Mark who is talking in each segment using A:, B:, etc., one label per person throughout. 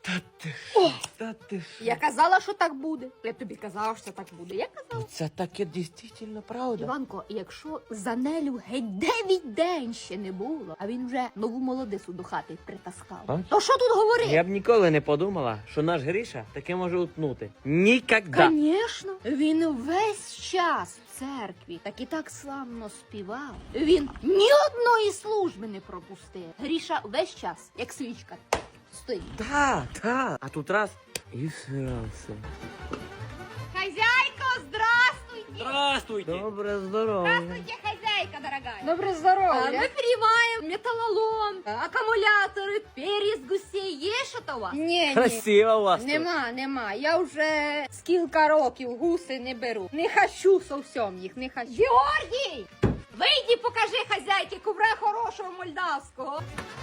A: Та ти що?
B: Я казала, що так буде. Я тобі казала, що так буде. Я казала.
A: Це таке дійсно правда.
B: Іванко, якщо за Нелю геть 9 день ще не було, а він вже нову молодицю до хати притаскав.
A: А?
B: То що тут говорити?
A: Я б ніколи не подумала, що наш Гриша таке може утнути. Нікогда.
B: Звісно, він весь час в церкві так і так славно співав. Він ні одної служби не пропустив. Гріша весь час, як свічка, стоїть.
A: Та. А тут раз і все.
B: Хозяйка, здравствуйте!
A: Здравствуйте. Добре, здорово.
B: Хозяйка, дорогая! Доброе здоровье! Мы переливаем металлолом, аккумуляторы, перец, гусей. Є що-то у вас? Ні,
A: Красиво у вас тут.
B: Нема. Я вже скільки років гуси не беру. Не хочу совсем їх, не хочу. Георгій! Вийди, покажи хазяйки кубра хорошого молдавського.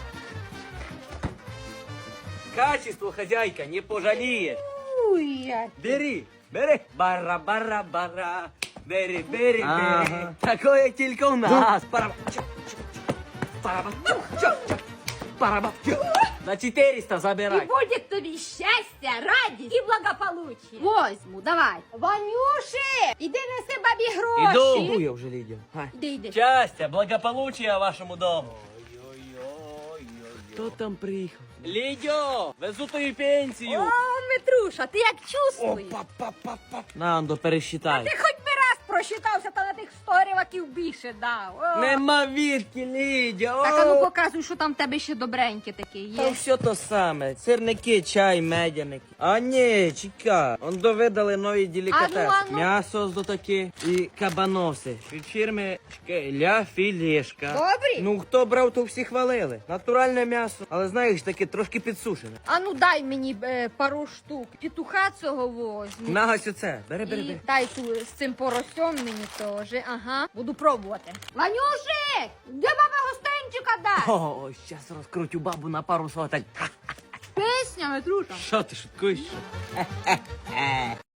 A: Качество хозяйка не пожаліє.
B: Уй,
A: Бери. Бара. Бери. Такое тільки у нас. На 400
B: І
A: забирай.
B: буде тобі щастя, радість і благополуччя. Возьму, давай. Ванюши, іди неси бабі гроші.
A: Іду я вже, Лідія.
B: Іди.
A: Щастя, благополуччя вашому дому. Хто там приїхав? Лідьо, везу тобі пенсію.
B: О, Митруша, ти як чувствуєш?
A: На, Андо, пересчитай.
B: Ти хоч би раз просчитався, та на тих 100 ріваків більше дав. О.
A: Нема відки, Лідя.
B: Так, а ну показуй, що там в тебе ще добреньке таке
A: Та
B: є.
A: все то саме. Сирники, чай, медяники. А ні, чекай. Он довидали нові делікатеси.
B: Ану.
A: М'ясо з такі і кабаноси. Від фірми Ля Філешка.
B: Добрі?
A: Ну, хто брав, то всі хвалили. Натуральне м'ясо. Але знаєш, таке трошки підсушене.
B: А ну дай мені пару штук. Петуха цього возьму.
A: На ось оце. Бери.
B: І дай ту з цим поросем мені теж. Ага, буду пробувати. Ванюшик, де баба гостинчика дасть?
A: О, щас розкрутю бабу на пару сотень.
B: Песня, Митруша.
A: Що ти шуткуєш?